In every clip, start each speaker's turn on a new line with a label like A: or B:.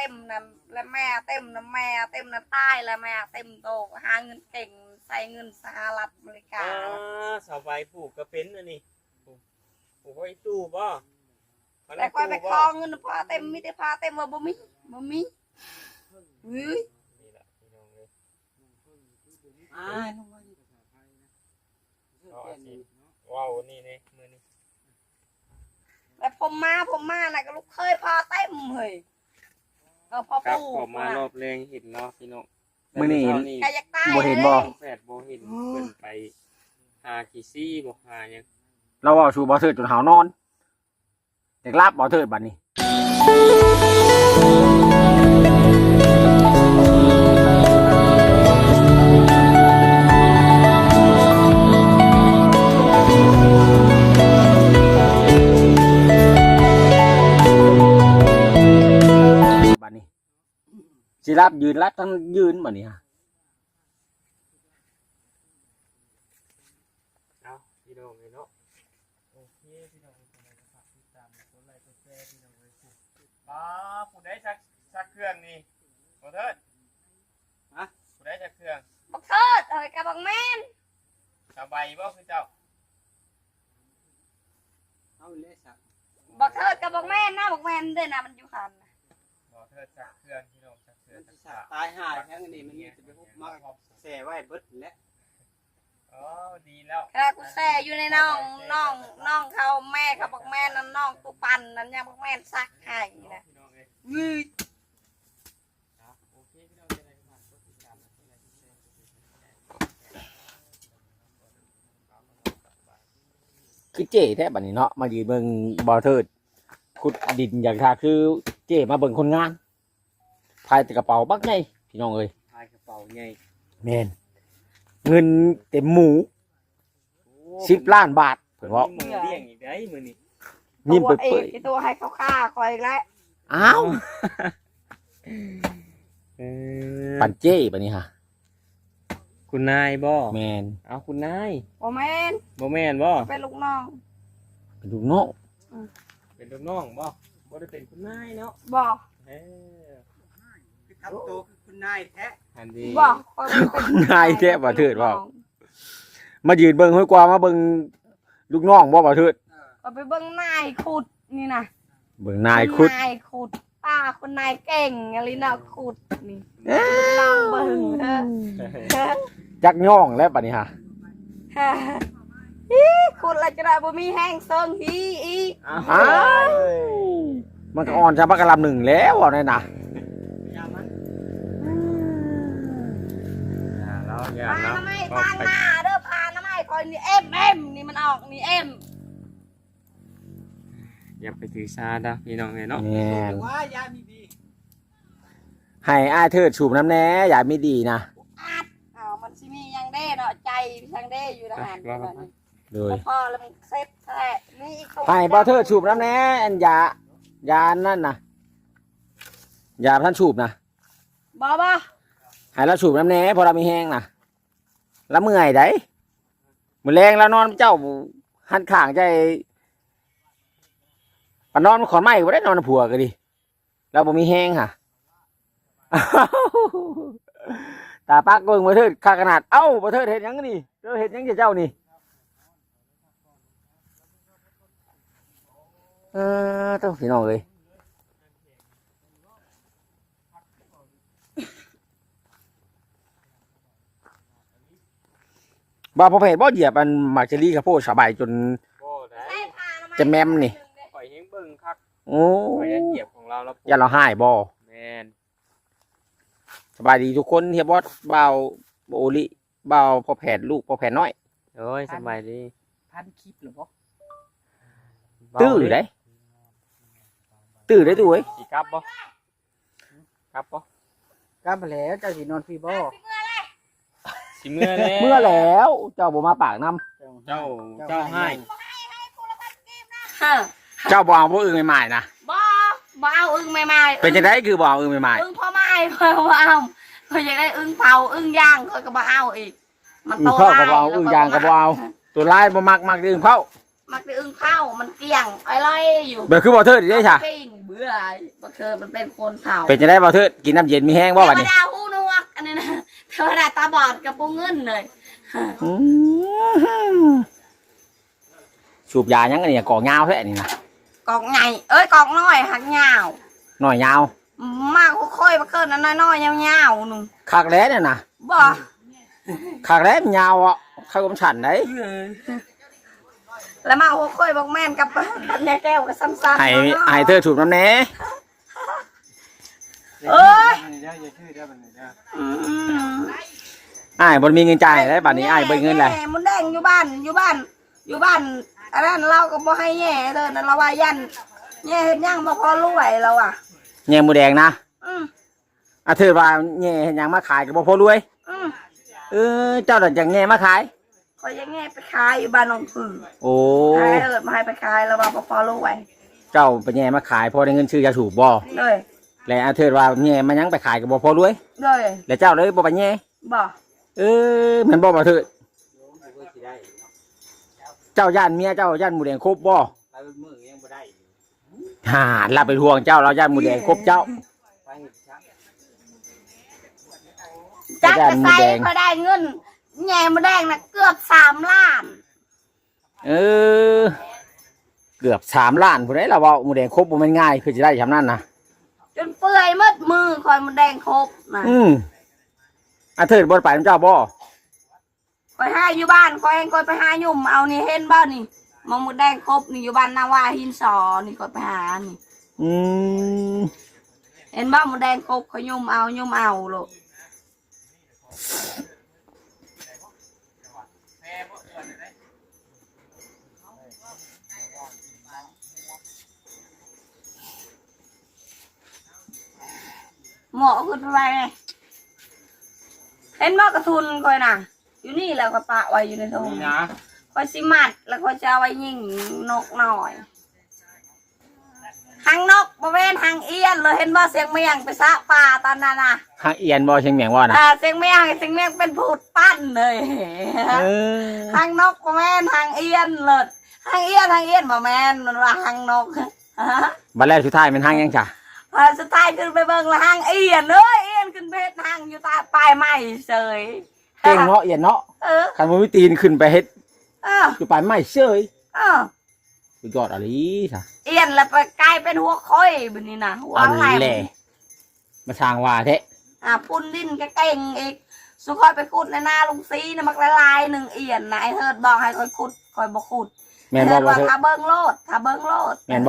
A: ต็มนั่นแล้วแม่เต็มนั่นแม่เต็มนั่นตายแล้วแม่เต็มโตหาเงินเก่งใส่เงินสหรัฐอเมริกา
B: สาวใบปลูกก็เป็นอันนี้ปลูกไว้ตู้บ่
A: แต่คอยไปคอเงินพาเต็มมีแต่พาเต็มว่าบ่มีอุ้ย
B: นี่แหละพี่น้องเลย
C: ลงมา
B: ว้าวนี่นี่มือนี่
A: แต่ผมมาน่ะก็ลูกเคยพาเต็มเฮ้ยพอ
B: ครับ
A: ปู่
B: ผมมารอบแรงเห็นเนาะพี่น้อง
C: มื้อนี้
A: ใครอยากตาย
C: บ่เห็นบ่
B: แฝดบ่เห็นเพิ่นไปหาขี้ซี่บ่หาหยัง
C: เราเอาชูบ่เทิดจนหาวนอนเด็กลาบบ่เทิดบัดนี้บัดนี้สิรับยืนรับทั้งยืนบัดนี้ฮะ
B: เอาพี่น้องเลยเนาะโอเคพี่น้องคนไหนก็ฝากติดตามกดไลค์กดแชร์พี่น้องเลยสิผู้ใดชักเครื่องนี่บ่เถิดฮะผู้ใดชักเครื่อง
A: บักเทิดเอ้ยกับบักแม่น
B: สบายบ่คือเจ้า
C: เอาเลยสัก
A: บักเทิดกับบักแม่นนะบักแม่นเด้อนะมันอยู่หันน่ะ
B: บ่เถิดชักเครื่องพี่น้องชักเครื่องชักษา
C: ตายหายแค่นี้มันจะไปฮุบมาแส่ไว้เบิดแล้ว
B: อ๋อดีแล้ว
A: แค่กูแซ่อยู่ในน้องเขาแม่เขาบักแม่นนั่นน้องตุปันนั่นยังบักแม่นซักให้นะ
B: พี่น้องเลย
A: วืด
B: โอเคพี่น้องจะได้ฝากกดติดตามและกดไลค์กดแชร์
C: คือเจ๊แท้บัดนี้เนาะมายืนเบิ่งบ่เทิดขุดดินอย่างท่าคือเจ๊มาเบิ่งคนงานพายแต่กระเป๋าบักไงพี่น้องเอ้ย
B: พายกระเป๋าใหญ่
C: แม่นเงินเต็มหมู10 ล้านบาทเพิ่นว่า
B: มือเลี้ยงอีกได้มือนี่
C: ยิ้มเปื่อย
A: ไอ้ตัวให้เขาฆ่าคอยอีกแล้ว
C: ๆอ้าว ปั่นเจ๊บัดนี้ฮะ
B: คุณนายบ่
C: แม่น
B: เอาคุณนาย
A: โอ้แม่น
B: บ่แม่นบ่
A: เป็นลูกน้อง
C: เป็นลูกน้อง
B: เป็นลูกน้องบ่บ่ได้เป็นคุณนายเนาะ
A: บอก
B: เออ
D: ทำตัวคือคุณนายแท้
B: อันดี
A: บอก
C: คุณนายแท้บ่เทิดว่ามายืนเบิ่งห้วยกว่ามาเบิ่งลูกน้องบ่เทิด
A: เอาไปเบิ้งนายขุดนี่นะ
C: เบิ่งนายคุด
A: นายขุดป้าคนนายเก่งอะไรนะขุดนี่ลองเบิ้ง
C: จักย่องแล้วบัดนี้ฮะ
A: ขุดอะไรจะได้บ่มีแห้งเซิงฮีอีก
C: อ้าวมันก็อ่อนชาบักกะลำหนึ่งแล้วเอาได้น่ะ
B: แล้วอย่า
A: พา
B: เนาะ
A: น้ำไม้
B: ก็
A: ทาง
B: ไป
A: หน้าเด้อพาน้ำไม้คอยนี่เอ็มนี่มันออกนี่เอ็ม
B: อย่าไปถือซาดะพี่น้องเนาะ
C: แม่น
D: ว่ายามีดี
C: ให้อ้ายเทิดสูบน้ำแหน่อย่าไม่ดีนะ
A: อ้าวมันสิมียังเด้เนาะใจยังเด้อยู่นะฮะ
C: เลย
A: พอแล้วมันเซ็ตแท้นี่อีก
C: ให้บ่เทิดสูบน้ำแหน่อันยานั่นน่ะยาท่านสูบนะ
A: บ่
C: ให้เราสูบน้ำแหน่พอเรามีแห้งน่ะแล้วเมื่อยได้มื้อแรงแล้วนอนเจ้าหันข้างใจปานอนขอนไม้บ่ได้นอนผัวก็ดิเราบ่มีแห้งค่ะ ตาปักเบิ่งบ่เทิดค่าขนาดเอ้าบ่เทิดเฮ็ดหยังนี่เฮ็ดหยังเจ้านี่ต้องพี่น้องเลยบ่พอเพจบ่เหยียบอันหมากเจรี่ข้าวโพดสบายจน
B: บ่ได้
C: จะแมมนี่
B: ปล่อยให้เบิ่งคัก
C: โอ้
B: ปล่อยให้เหยียบของเราแล้ว
C: อย่าเราหายบ่
B: แม่น
C: สบายดีทุกคนเฮียบอสบ่าวโอลิบ่าวพอแผดลูกพอแผดน้อย
B: โอ้ยสบายดี
D: พันคลิปหรือเปล่า
C: ตื้อได้ตื้อได้ตู้เอ้ย
B: สิกลับบ่กลับบ่
D: กล้าไปแล้วเจ้าสีนอนฟรีบ่
B: สิเมื่อแล้ว
C: เมื่อแล้วเจ้าบ่มาปากน้
B: เจ้าให้
A: ฮะ
C: ำเจ้าบ่เอาผู้อื่นใหม่ๆนะ
A: บ่เอาอึ้งใหม่ๆ
C: เป็นจังไดคือบ่เอาอื่นใหม่
A: อึ้งพ่อไม้คอยบ่เอาคอยอยากได้อึ้งเผาอึ้งย่างคอยก็บ่เอาอีกมัน
C: ๆ
A: โต
C: เข้าก็บ่เอาอื่นยางก็บ่เอาตัวลายบ่มักอื่นเข้า
A: มักได้อึ้งเข้ามันเกลี้ยงอะไรอยู่
C: เบื่อคือบ่เทิดอีกได้ค่ะ
A: ปิ้งเบื่อบักเธอมันเป็นคนเฒ่า
C: เป็นจะได้บ่เทิดกินน้ำเย็นมีแห้งบ่
A: เท
C: บัด
A: ว
C: นี้
A: ดาหูหนวกอันนี้นะเทวดาตาบอดกับปูเงินเลย
C: อืมสูบยายังไงเนี่ยกอกยาวแท้นี่นะ
A: กอกใหญ่เอ้ยกอกน้อยหักยาว
C: หน่อยยาว
A: มากค่อยๆมาเกินอันน้อยๆยาวๆหนุ่ม
C: คักแล้เนี่ยนะ
A: บ่
C: คักแล้มันยาวอ่ะข้าวกำฉันได้
A: แล้วมาค่อยๆบอกแม่นกับปัญญาแก้วกับซ้ำๆ
C: ให้เธอถูกน้ำแน่
A: เอ้ย
D: อย่าชื่อได้บัดนี้เด้อ
C: อ้ายบ่มีเงินจ่ายได้บัดนี้อ้ายเบิดเงินแหละ
A: แม่มันแดงอยู่บ้านอันนั้นเราก็บ่ให้แย่เด้อนั่นเราว่ายันแย่เฮ็ดหยังบ่พอรวยเราอ่ะ
C: แง่หมูแดงนะ
A: อืม
C: เธอว่าแง่เห็นหยังมาขายก็บ่พอรวย
A: อืม
C: เจ้าดันจังแง่มาขาย
A: คอยยังแง่ไปขายอยู่บ้านหนองผือ
C: โอ้
A: ขายมาให้ไปขายแล้วว่าบ่พอรวย
C: เจ้าไปแง่มาขายพอได้เงินซื้อยาสูบบ่
A: เลย
C: และเธอว่าแง่มายังไปขายก็บ่พอรวย
A: เลย
C: แล้วเจ้าเลยบ่ไปแง่
A: บ่
C: แมันบ่เธอเจ้าย่านเมียเจ้าย่านหมูแดงครบบ่
D: ไปมื้อยังบ่ได้
C: เราไปทวงเจ้าเราย่านหมูแดงครบเจ้า
D: ไปเฮ็ดชัก
A: จัก
C: ย่าน
A: จะ
C: หมู
A: ใส่
C: แดง
A: พอได้เงินแง่มาแดงน่ะเกือบ3 ล้าน
C: เกือบ3 ล้านผู้ใดเราเว้าหมูแดงครบบ่แม่นง่ายคือสิได้ชำนั้นนะ
A: จนเปื่อยหมดมือคอยมาแดงครบนะ
C: เธอบ่ไปนำเจ้าบ่
A: คอยหาอยู่บ้านคอยเองคอยไปหายุ่มเอานี่เห็นบ่นี่มองมาแดงครบนี่อยู่บ้านนาวาหินสอนี่คอยไปหานี่
C: อืม
A: เห็นบ่มาแดงครบคอยยุ่มเอาลูกหมอขึ้นไปไงเห็นบ่กระทุนคอยน่ะ อยู่นี่แล้วก็ปะไว้อยู่ในถุง
D: นี่นะ
A: คอยสิมัดแล้วคอยจะเอาไว้ยิงนกหน่อยหางนกบริเวณหางเอียนเลยเห็นว่าเสียงเมียงไปซะป่าตอนนั้นน่ะ
C: หางเอียนบ่เชียงเมียงว่านะ
A: เสียงเมียงเป็นผูดปั้นเลย
C: เออ
A: หางนกบริเวณหางเอียนเลยหางเอียนบ่แม่นมันว่าหางนก
C: บัดแรกสุดท้ายเป็นหางยังจ้ะ
A: พอสุดท้ายขึ้นไปเบิ่งละหางเอียนเอ้ยเอียนขึ้นเพชรหางอยู่ใต้ปลายไม้เฉย
C: เก่งเนาะเอียนเนาะ
A: เออ
C: คันบ่มีตีนขึ้นไปเฮ็ด
A: เออ
C: อยู่ปลายไม้เฉย
A: เออ
C: สุดยอดอะไรจ้ะ
A: เอียนแล้วไปกลายเป็นหัวค่อยแบบนี้นะหัว
C: อัน
A: แหล
C: แหละ
A: ม
C: มาสร้างว่าแท้
A: พุ่นดินก็เก่งอีกสุคอยไปขุดในนาลุงซีนะมักละลายหนึ่งเอียนนะไอ้เทิดบอกให้คอยขุดคอยบอกขุด
C: แม่นบ่
A: เทิด
C: บ่
A: ว่า
C: เธอ
A: ถ้าเบิ้งโลดถ้าเบิ้งโลด
C: แม่นบ่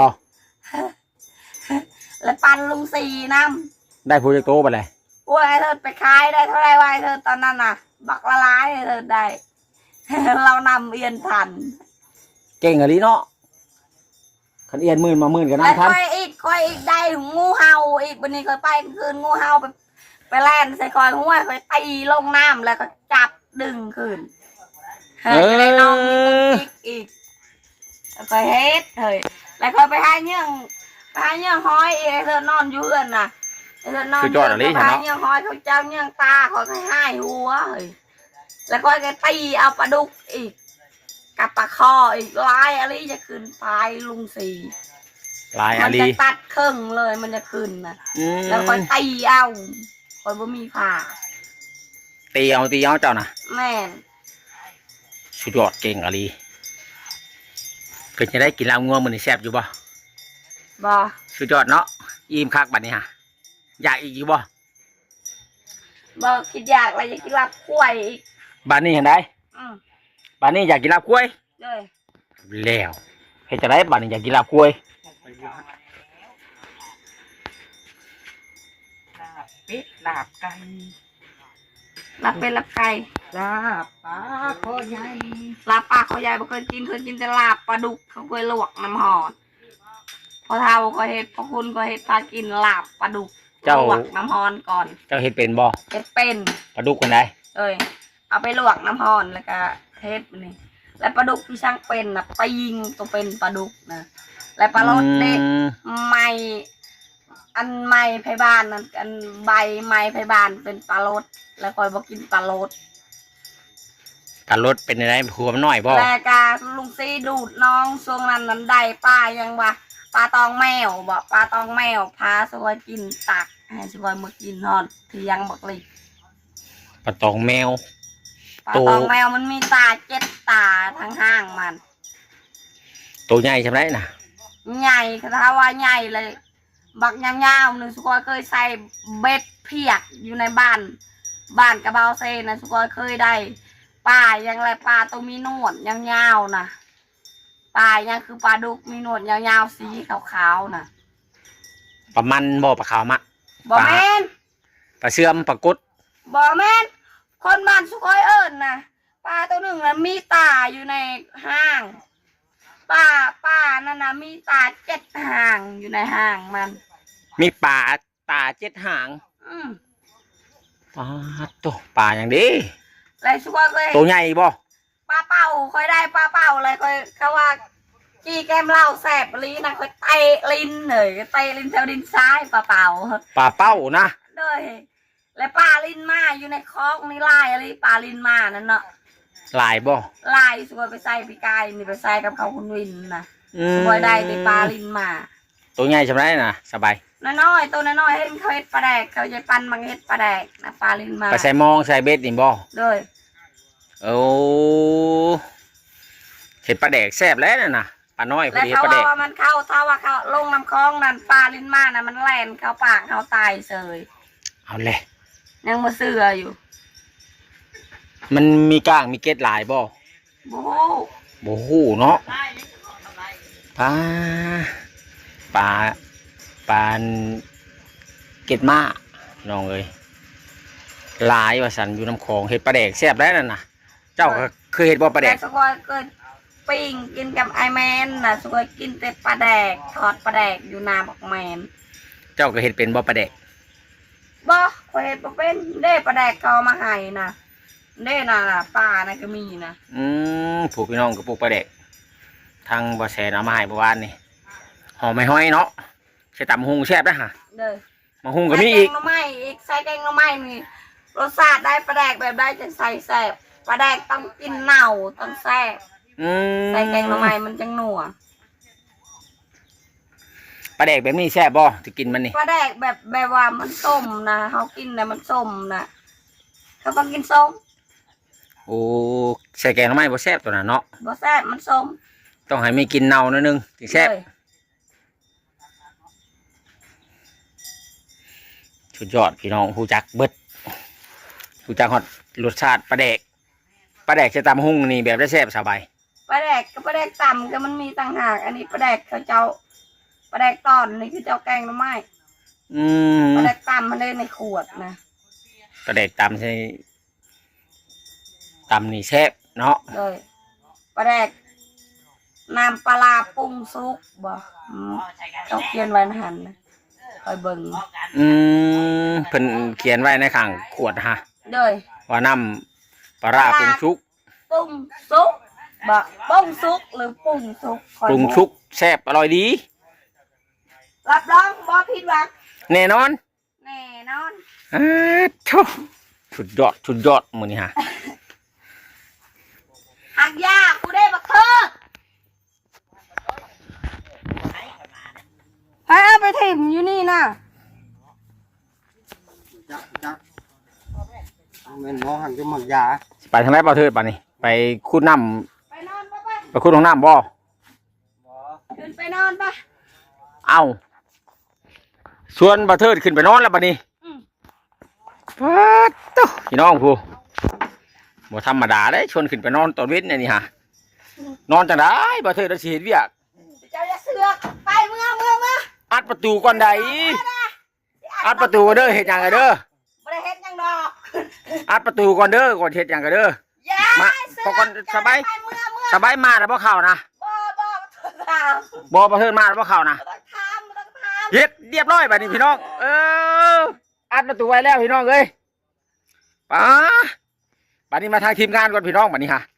A: แล้วปันลุงซีน้
C: ได้โปรเจกต์โตไปเลย
A: ำโอ้ยไอ้เทิดไปขายได้เท่าไรวะไอ้เทิดตอนนั้นน่ะ บักละลายไอ้เทิดได้ เรานำเอียนทัน
C: เก่งอะไรเนาะคันเอียนหมื่นมาหมื่นก็
A: แล้ว
C: นำทัน
A: ค่อยอีกได้งูเห่าอีกวันนี้ค่อยไปคืนงูเห่าไปแล่นใส่คอยห้วยค่อยตีลงน้ำแล้วก็จับดึงคืนจะได้น้องมีคนจิกอีกแล้วก็เฮ็ดเฮ้ยแล้วก็ไปหาเนื่องห้อยอีกไอ้เธอนอนอยู่เอื้อนน่ะไอ้เธอนอนอยู่ไปหาเนื่องห้อยเขาเจ้าเนื่องตาเขาให้หัวเฮ้ยแล้วก็ตีเอาปลาดุกอีกกับปลาคออีกลายอะไรจะขึ้นไปลุงสี
C: ลาย
A: มั
C: อาลี
A: จะตัดครึ่งเลยมันจะขึ้นนะ
C: อืม
A: แล้วค่อยตีเอาค่อยบ่มีผ่า
C: ตีเอาเจ้านะ
A: แม่น
C: สุดยอดเก่งอะไรเป็นจะได้กินลาบงัวมันนี่แซ่บอยู่บ่
A: บ่
C: สุดยอดเนาะอิ่มคักบัดนี้ฮะอยากอีกอยู่บ่
A: บ่คิดอยากอะไรอยากกินลาบกล้วยอีก
C: บัดนี้เห็นได้
A: อืม
C: บัดนี้อยากกินลาบกล้วย
A: เลย
C: แล้วเฮ็ดจะได้บัดนี้อยากกินลาบกล้วย
D: เป็ดลาบไก่
A: ลาบเป็นลาบไก่
D: ลาบปลาคอใหญ่
A: ลาบปลาเขาใหญ่บ่เคยกินแต่ลาบปลาดุกเขาเคยลวกน้ำหอดพอเท่าก็เฮ็ดพอคุณก็เฮ็ดพากินลาบปลาดุกลวกน้ำหอนก่อน
C: เจ้าเฮ็ดเป็นบ่
A: เฮ็ดเป็น
C: ปลาดุกกันได้
A: เอ้ยเอาไปลวกน้ำหอนแล้วก็เฮ็ดมันนี่แล้วปลาดุกที่ช่างเป็นน่ะไปยิงตัวเป็นปลาดุกนะแล้วปลาโลดเด็ก ไม้อันไม้ไผ่บานนั่นอันใบไม้ไผ่บานเป็นปลาโลดแล้วคอยบอกกินปลาโลด
C: การรถเป็นอะไรผัวมันน้อยบ่
A: แล้วกาลุงซีดูดน้องช่วงนั้นได้ป้ายังว่าปลาตองแมวบอกปลาตองแมวพาสวยกินตักให้สวยมากินนอนเที่ยงบอกเลย
C: ปลาตองแมว
A: ปลาตองแมวมันมีตา7 ตาทั้งห้างมัน
C: ตัวใหญ่ใช่ไหมน่ะ
A: ใหญ่ถ้าว่าใหญ่เลย บักยาวๆหนึ่งสุกอยเคยใส่เบ็ดเพียกอยู่ในบ้านกระเบาเซนะสุกอยเคยได้ปลายังไรปลาตัวมีหนวดยาวๆนะปลายังคือปลาดุกมีหนวดยาวๆสีขาวๆนะ
C: ปลามันบ่ปลาขาวมะ
A: บอแมน
C: ปลาเสื่อมปลากุด
A: บอแมนคนบ้านสุกอยเอิญนะปลาตัวหนึ่งนั้นมีตาอยู่ในห้างปลานั่นนะมีตา7 หางอยู่ในห้างมัน
C: มีปลาตา7 หาง
A: อืม
C: ปลาตัวปลาอย่างดี
A: แล้วสุกอยเคย
C: ตัวใหญ่บ่
A: ปลาเป่าค่อยได้ปลาเป่าเลยค่อยเขาว่าจี้แก้มเหล้าแสบลิ้นนะค่อยเตะลิ้นเลยเตะลิ้นแถวดินซ้ายปลาเป่า
C: ปลาเป้านะ
A: เลยและปลาลิ้นมาอยู่ในคลองนี่ลายอะไรปลาลิ้นมานั่นเนาะ
C: ลายบ่
A: ลายสวยไปใส่ปีกายนี่ไปใส่กับเขาคุณวินนะ
C: อื
A: ส
C: ม
A: วยได้ในปลาลิ้นมา
C: ตัวใหญ่ใช่ไหมน่ะสบาย
A: น้อยๆตัวน้อยๆเห็นเขาเห็ดปลาแดกเขาจะปั้นมังเห็ดปลาแดกนะปลาลิ้นมา
C: ไปใส่มองใส่เบ็ดนี่บ่
A: เลย
C: โอ้เห็ดปลาแดกแซ่บแล้วน่ะปลาน้อยพอ
A: แล้ว
C: ดี
A: เขา
C: ปลาแดก
A: ว่ามันเข้าถ้าว่าเขาลงน้ำคลองนั่นปลาลิ้นมานะมันแล่นเข้าปากเขาตายเสย
C: เอาเลย
A: ยังมาเสืออยู่
C: มันมีก้างมีเกล็ดหลายบ่
A: โอ้
C: บ่ฮู้เนาะปลาปลาปลาเกล็ดม้าน้องเอ้ยหลายว่าสันอยู่น้ำคลองเห็ดปลาแดกแซ่บแล้วนั่นน่ะ เจ้าก็เคยเห็ดบ่ปลาแด
A: แต่
C: ก
A: สกอยเกิดปิ้งกินกับไอแมนนะสกอยกินแต่ปลาแดกทอดปลาแดกอยู่นาบอกแมน
C: เจ้าก็เห็ดเป็นบ่ปลาแดก
A: บ่คอยเห็นบ่เป็นเด้ปลาแดกเขาเอามาให้นะเด้น่ะปลานะก็มีนะ
C: ผูกพี่น้องกับปลูกปลาแดกทางบ่อแสนเอามาให้เมื่อวานนี่หอมไม่ห้อยเนาะใส่ตำหุงแซ่บนะฮะ
A: เด้อ
C: มาหุงก็มีอีก
A: ใส่แกงหน่อไม้อีกใส่แกงหน่อไม้นี่รสชาติได้ปลาแดกแบบได้จะใส่แซ่บปลาแดกต้องกินเน่าต้องแซ่บ ใส่แกงหน่อไม้มันจังหนัว
C: ปลาแดกแบบนี้แซ่บบ่จะกินมันนี่
A: ปลาแดกแบบว่ามันส้มนะเขากินนะมันส้มนะเขาต้องกินส้ม
C: โอ้ใส่แกงหน่อไม้บ่แซ่บตัวน่ะเนาะ
A: บ่แซ่บมันส้ม
C: ต้องให้มีกินเน่าหนิดนึงถึงแซ่บ
A: เลย
C: สุดยอดพี่น้องฮู้จักเบิดฮู้จักฮอดรสชาติปลาแดกปลาแดกใส่ตำหุงนี่แบบได้แซ่บสบาย
A: ปลาแดกกับปลาแดกต่ำก็มันมีต่างหากอันนี้ปลาแดกเขาเจ้าปลาแดกตอนนี่คือเจ้าแกงหน่อไม้
C: อืม
A: ปลาแดกต่ำมันได้ในขวดนะ
C: ปลาแดกตำใส่ตำนี่แซ่บเนาะ
A: เลยปลาแดกน้ำปลาร้าปรุงซุปบ่เขาเขียนไว้ในหันนะคอยเบิ่ง
C: เพิ่นเขียนไว้ในข้างขวดฮะ
A: เลย
C: ว่าน้ำปลาร้าปรุงชุก
A: ปรุงซุปบ่ปรุงซุปหรือปรุงซุปคอย
C: ปรุง
A: บอก
C: ชุกแซ่บอร่อยดี
A: รับรองบ่ผิดหวัง
C: แน่นอน
A: แน่นอน
C: ทุสุดยอดสุดยอดมื้อนี้ฮะ
A: หักยากูได้บักเทิดให้เอาไปถิ่มอยู่นี่นะ
D: จักแม่นหมอหันจะหมักยา
C: ไปทางไหนบ่เทิดป่ะนี่ไปขุดน้
A: ไปนอนปะ
C: ำไปขุดของน้ำบ่
D: บ่
A: ขึ้นไปนอนปะ
C: เอ้าชวนบ่เทิดขึ้นไปนอนแล้วป่ะนี่
A: อืม
C: ป๊าดโตพี่น้องผู้บ่ธรรมดาเด้ชวนขึ้นไปนอนตอนเว้นนี่ฮะนอนจังได๋บ่เทิดสิเฮ็ดเวียก
A: เจ้าจะเสือกไปเมื่อ
C: อัดประตูก่อนใดอัดประตูก่อนเด้อเฮ็ดหยังกันเด้อ
A: ไม่ได้เฮ็ดหยังดอก
C: อัดประตูก่อนเด้อก่อนเฮ็ดหยังกันเด้อ
A: อย่า
C: มา
A: เสื
C: พอก่อนสบาย
A: ไปเมื่อ
C: สบายมาแล้วบ่เข้านะ
A: บ่ถาม
C: บ่บ่เทิดมาแล้วบ่เข้านะ
A: ต้องถามต้องถาม
C: เฮ็ดเรียบร้อยบัดนี้พี่น้องอัดประตูไว้แล้วพี่น้องเอ้ยป้าบัดนี้มาทางทีมงานก่อนพี่น้องบัดนี้ฮะ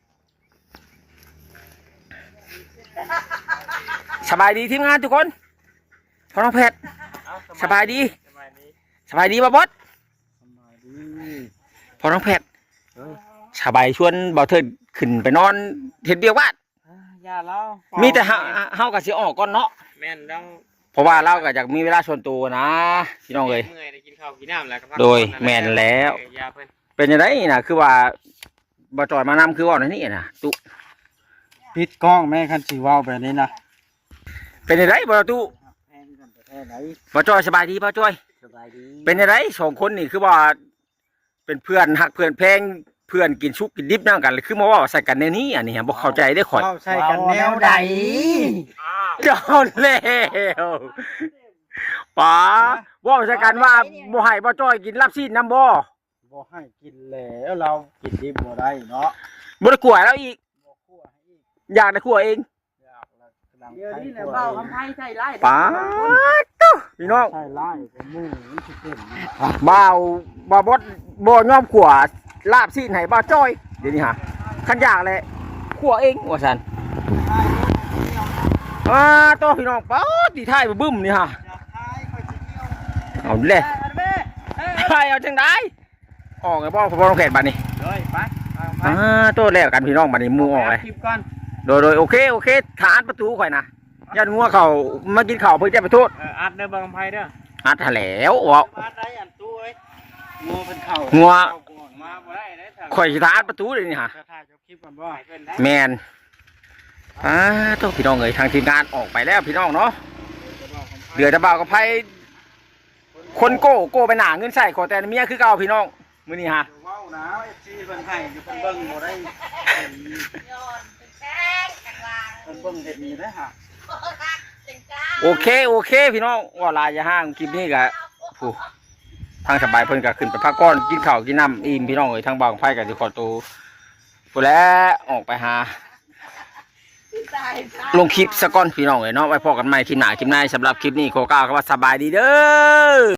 C: สบายดีทีมงานทุกคนพ่อน้องเพชร สบายดี
B: สบายดี
C: สบายดีบ่บอส
D: สบายดี
C: พ่อน้องเพชร
D: เออ
C: สบายชวนบ่เทิดขึ้นไปนอนเฮ็ดเวียกบ้าน
B: อย่าเล่า
C: มี
B: มี
C: แต่เฮาก็สิออกก่อนเนาะ
B: แม่นเรา
C: เพราะว่าเราก็อยากมีเวลาส่วนตัวนะพี่น้องเอ้ย
B: เมื่อยได้กินข้าวกินน้ำแล้วก็พัก
C: โดย
B: ผ่อน
C: แม่นแล้ว
B: ยาเพิ่น
C: เป็นจังไดน่ะคือว่าบ่จอยมานำคือว่าในนี่น่ะตุ
D: ปิดกล้องแม่คันสิเว้าแบบนี้นะ
C: เป็นจังไดบ่ตุ
D: แม่นกันประเทศไหน
C: บ่จอยสบายดีบ่จอย
D: สบายดี
C: เป็นจังไดสองคนนี่คือว่าเป็นเพื่อนฮักเพื่อนแพงเพื่อนกินชุกกินดิบนำกันเลยคือมาเว่าใส่กันในนี้อันนี้บ่เข้าใจได้ข่อย
D: เว้าใส่กันแนวใด
B: อ้าว
C: เจ้าแล้วป๋าเว่าใส่กันว่าบ่ให้บ่จ้อยกินลาบซีนน้ำบ่
D: บ่ให้กินแล้วเรากินดิบบ่ได้เนาะ
C: บ่ได้กลัวแล้วอีก
D: บ่คั่วให้อีก
C: อยากได้ขัวเอง
D: อยากละกำลัง
A: เดี๋ยวนี้แหละเบาคำไพ่ใช่ไร
C: ป๋าตุ๊พี่น้อง
D: ใช่ไล่ก็หมู่มันสิเป็น
C: บ่าวบ่บดบ่ยอมขัวลาบซีนให้บ่จ้อยเดี๋ยวนี้ฮะคันอยากเลยขัวเองว่าซั่นตัวพี่น้องป๊าดที่ท้ายบึ้มนี่ฮะ
D: อยากทายค่อยสิเที่ยว
C: เอาเลยใช่เอาจังไดออกไอ้บ่พอต้องแผนบัดนี้
B: เลยไปไป
C: ตัวแล้วกันพี่น้องบัดนี้หมู่ออกเลย
B: คลิปก่อน
C: โดยโอเคฐานประตูข่อยนะยันงัวเขามากินข้าวเพื่อจะไปโทษ
B: อัดเด้อบังไพเด้อ
C: อัดหาแล้วว่า
D: มาได้อันตู้เอ้ยงูเป็นเข้า
C: งัว
B: มาบ่ได้เด้อถ้า
C: ข่อยสิฐานประตูเลยนี่ฮะ
D: จะถ่ายคลิปกันบ่
B: ให้เพิ่นได้
C: แมนตัวพี่น้องเอ้ยทางทีมงานออกไปแล้วพี่น้องเนาะเดือดจะเบากับไพ่คนโก้ไปหนาเงินใส่ขอแต่เมียคือเก่าพี่น้องมื้อนี้ฮะ
D: เว้านะ FC เพิ่นให้อยู่เพิ่นเบิ่งบ่ได้
A: ย้อนเป็นแป้งกลาง
D: เพิ่นเบิ่งเฮ็ดนี่ได้ฮะ
A: เป็นกลาง
C: โอเคพี่น้องว่าลายอย่าห้างคลิปนี้ก็ผู้ทางสบายเพิ่นก็ขึ้นไปพักก่อนกินข้าวกินน้ำอิ่มพี่น้องเอ้ยทางบางไพ่ก็สิขอตัวผู้แล้วออกไปหา
A: ตาย
C: ลงคลิปสะก้อนพี่น้องเอ้ยเนาะไว้พอกันใหม่คลิปหน้าคลิปหน้าสำหรับคลิปนี้ขอกล่าวคำว่าสบายดีเด้อ